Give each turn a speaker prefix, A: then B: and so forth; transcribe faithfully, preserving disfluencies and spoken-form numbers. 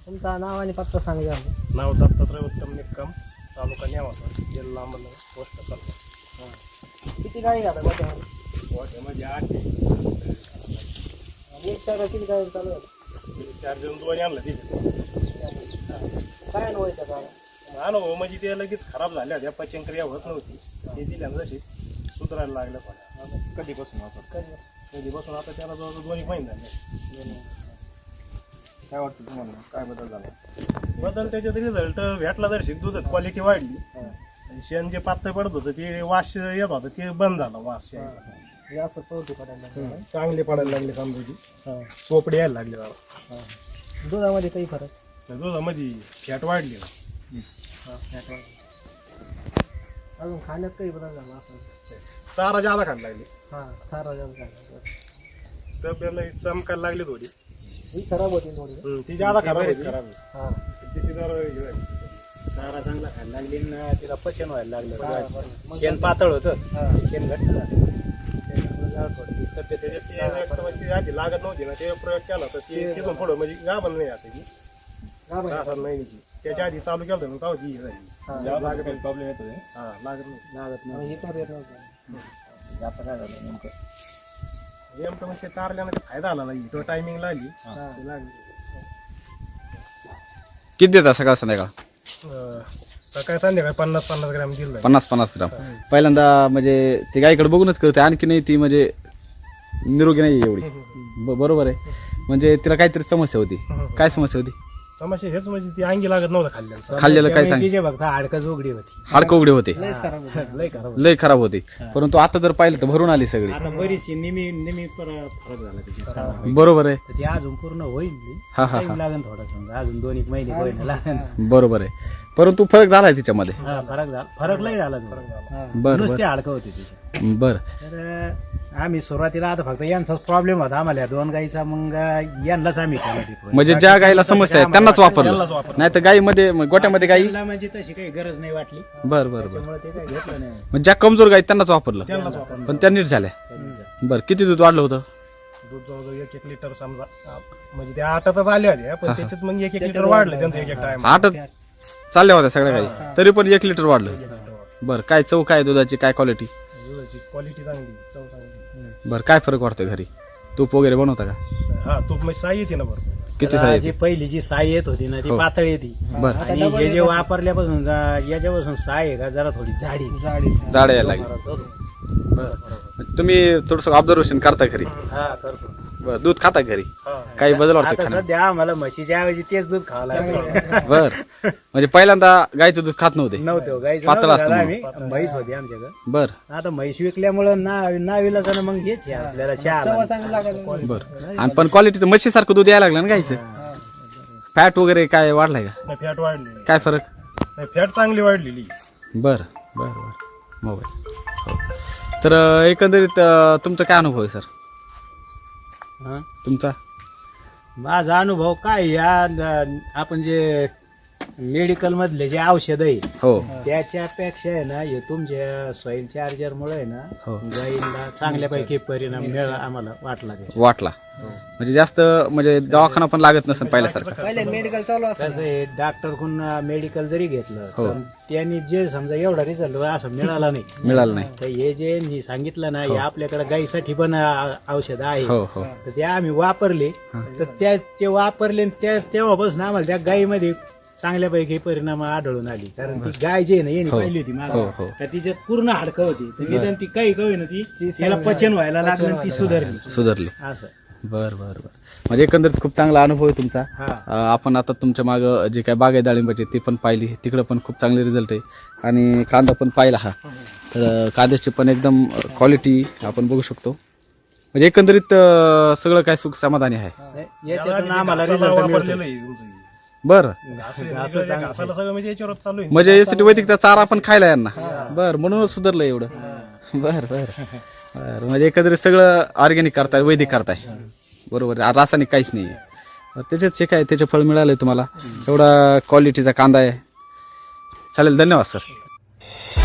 A: तुमचं नाव आणि पत्ता सांगा.
B: नाव दत्तात्रय उत्तम निक्कम, तालुका न्यावासा, जिल्हा अहमदनगर, पोस्ट कलमा.
A: किती गाडी घालता गोठ्यामध्ये?
B: गोठ्यामध्ये आठ आहे.
A: एक चार किती गाडी चालू आहे?
B: चार जण दोन्ही आणलं तिथे.
A: काय अनुभवायचं का?
B: अनुभव म्हणजे ते लगेच खराब झाल्या होत्या, पचनक्रिया होत नव्हती. ते दिल्यानं जशी सुधारायला लागलं पण.
C: कधीपासून असं
B: कधीपासून आता त्याला जवळजवळ दोन एक महिने झाले.
C: काय वाटतं तुम्हाला, काय बदल झाला?
B: बदल त्याच्यात रिझल्ट भेटला तर शिक दुधात क्वालिटी वाढली. आणि शेण जे पातळ पडत होतं ते वास येत होतं ते बंद झालं वास यायचा.
A: हे असं पळतो पडायला लागलं.
B: चांगले पडायला लागले समजा चोपडे यायला लागले जरा.
A: दुधामध्ये काही फरक?
B: दुधामध्ये फॅट वाढली.
A: अजून खाण्यात काही बदल झाला असं?
B: चारा जादा खायला लागले.
A: हा चारा जास्त खायला.
B: तब्येतला चमकायला लागली थोडी.
A: ही खराब होती थोडी.
B: हम्म, ती जादा खराब होती.
A: हा
B: तिची जरा हे झाली.
C: चारा चांगला खायला लागली ना, तिला पचन व्हायला
A: हा,
C: लागलं.
A: मग
C: शेण पातळ होतं,
A: हा.
C: शेण घट्ट झालं. त्याच्यामुळे जरा थोडी तब्येत
B: त्याच्यात ते एक तर म्हणजे ती आधी लागत नव्हती ना, ते प्रयोग केला तर ती तिथून पुढं म्हणजे गाभण नाही आता ती
A: गाभण
B: सहा सात महिन्याची. त्याच्या आधी चालू केलं होतं तेव्हा ती हे झाली.
A: हा.
B: लागत नाही.
C: प्रॉब्लेम येतो
B: हा लागत नाही.
C: लागत
A: मग
C: नाही.
A: हे पण येत नव्हतं.
C: आता काय झालं नेमकं?
B: नेमकं म्हणजे चारल्यानं काही फायदा आला नाही. तो टायमिंग लागली
A: हा.
B: ती लागली.
D: किती देता सकाळ संध्याकाळ?
B: अं, सकाळी संध्याकाळी पन्नास पन्नास ग्रॅम दिलं.
D: पन्नास पन्नास ग्राम. पहिल्यांदा म्हणजे ती गायकडे बघूनच करते, आणखी नाही ती म्हणजे निरोगी नाही एवढी. ब- बरोबर आहे. म्हणजे तिला काहीतरी समस्या होती. काय समस्या होती?
B: समस्या हेच म्हणजे ती अंगी लागत नव्हतं खाल्ल्यानं.
D: खाल्लेलं काय सांग?
C: तिचे बघता हाडकच उघडी होती.
D: हाडकं उघडे होते,
A: लयच खराब होती.
B: लय खराब.
D: लय खराब होते. परंतु आता जर पाहिलं तर भरून आली सगळी.
C: आता बरीचशी निमी निमी पर- फरक झाला तिच्या.
D: बरोबर आहे.
C: तर ती अजून पूर्ण होईल.
D: हा, हा,
C: टाइम लागेल थोडा समजा, अजून दोन एक महिने होईल लागेल.
D: बरोबर आहे. परंतु फरक झालाय तिच्यामध्ये.
C: हा, फरक झाला, फरक लय झाला तो.
A: हा.
D: बर
C: नुसते
D: बर
C: हाडकं होते तिचे.
D: बर.
C: तर आम्ही सुरुवातीला आता फक्त यांचाच प्रॉब्लेम होता आम्हाला या दोन गाईचा, मग यांनाच आम्ही केला तिथं.
D: म्हणजे ज्या गायीला समस्या आहे त्यांनाच वापरलं, नाही तर गायीमध्ये गोट्यामध्ये गायी.
C: त्यांना म्हणजे तशी काही गरज नाही वाटली,
D: बर बर बर.
C: त्यामुळे ते काही घेतलं नाही.
D: म्हणजे ज्या कमजोर गायी त्यांनाच वापरलं,
B: त्यांनाच वापरलं.
D: पण त्या नीट झाल्या. बर. किती दूध वाढलं होतं?
B: दूध जवळजवळ एक एक लिटर समजा अं, म्हणजे त्या आठातच आल्या होत्या पण त्याच्यात मग एक एक लिटर वाढलं त्यांचं एक एक टाइम.
D: आठ चालल्या होत्या सगळ्या गायी, तरी पण एक लिटर वाढलं. बर. काय चव काय दुधाची, काय क्वालिटी?
B: दुधाची क्वालिटी चांगली, चव चांगली.
D: बर. काय फरक वाटतोय घरी? तूप वगैरे बनवता का?
B: हा तूप म्हणजे साई येते ना बरोबर.
D: किती
C: त्याला
D: साई
C: जी
D: येते?
C: पहिली जी साई येत होती ना ती
D: हो.
C: पातळ येते.
D: बर.
C: आणि हे जे वापरल्यापासून जा- याच्यापासून साई आहे का जरा थोडी जाडी
A: जाडी.
D: जाड यायला लागली. बर. तुम्ही थोडस ऑब्झर्वेशन करता घरी?
C: हा करतो.
D: बर. दूध खाता घरी?
B: हा.
D: काही बदल वाटतोय
C: आता
D: खाण्यात?
C: सध्या आम्हाला म्हशीच्या ऐवजी तेच दूध खावं लागलं.
D: बर. म्हणजे पहिल्यांदा गायचं दूध खात नव्हते?
C: नव्हतं गाईचं
D: पातळ
C: नव्हतं
D: असतं
C: झालं
D: म्हणून.
C: आम्ही, म्हैस होती आमच्याकडे.
D: बर
C: आता म्हैस विकल्यामुळं ना नाविलाचं मग हेच आहे आपल्याला चहा
A: चव
C: आला.
A: चांगली लागली.
D: बर. आणि पण क्वालिटीचं म्हशीसारखं दूध यायला लागलं ना गायचं? फॅट वगैरे काय वाढलाय का?
B: नाही फॅट वाढली.
D: काय फरक?
B: नाही फॅट चांगली वाढलेली.
D: बर बर बर. मोबाईल. हो. तर अं, एकंदरीत अं, तुमचा काय अनुभव आहे सर?
C: हा?
D: तुमचा?
C: माझा अनुभव काय या न- आपण जे मेडिकल मधले जे औषध आहे
D: हो
C: त्याच्यापेक्षा आहे ना हे तुमच्या सॉइल चार्जर मुळे आहे ना
D: हो.
C: गाईला चांगल्यापैकी परिणाम मिळाला आम्हाला वाटला त्याचा.
D: वाटला. म्हणजे जास्त म्हणजे दवाखाना पण लागत नसेल पहिल्यासारखं.
A: पहिले मेडिकल चालू असतं.
C: कसं आहे डॉक्टर कडून मेडिकल जरी घेतलं
D: हो.
C: तर त्यांनी जे समजा एवढा रिझल्ट असं मिळाला नाही.
D: मिळालं नाही.
C: तर हे जे मी सांगितलं ना हे आपल्याकडे गाईसाठी पण औषध आहे.
D: हो हो.
C: तर ते आम्ही वापरले तर त्या ते वापरले आणि त्या तेव्हापासून आम्हाला त्या गायीमध्ये चांगल्यापैकी परिणाम आढळून आली. कारण ती गाय जी आहे ना येणे
D: हो.
C: पाहिली होती
D: हो,
C: मागे
D: हो.
C: तर तिच्यात पूर्ण हाडकं होती तर निदान ती काही कवी ना ती त्याला पचन व्हायला लागलं आणि ती सुधारली
D: सुधारली.
C: असं.
D: बर बर बर. म्हणजे एकंदरीत खूप चांगला अनुभव आहे तुमचा.
C: हा
D: अं, आपण आता तुमच्या मागं जे काय बाग आहे डाळिंबाची ती पण पाहिली, तिकडं पण खूप चांगले रिझल्ट आहे. आणि कांदा पण पाहिला हा, तर कांद्याची पण एकदम क्वालिटी आपण बघू शकतो. म्हणजे एकंदरीत अं, सगळं काय सुख समाधानी आहे.
C: याच्यातून आम्हाला
B: घासाला
C: रिझल्ट
B: वापरलेलं
C: मिळतो.
B: आहे तुमचं हे.
D: बर.
B: घास आहे,
C: घास
B: म्हणजे
C: चांगलं
B: घासाला सगळं म्हणजे याच्यावर चालू आहे.
D: म्हणजे यासाठी वैदिकचा चारा आपण खायला यांना. बर. म्हणूनच सुधारलं एवढं. बर बर बर. म्हणजे एकंदरीत सगळं ऑर्गॅनिक करताय, वैदिक करताय. बरोबर आहे. रासायनिक काहीच नाही आहे. त्याच्यात जे काय त्याचे फळ मिळालंय तुम्हाला. एवढा क्वालिटीचा कांदा आहे. चालेल. धन्यवाद सर.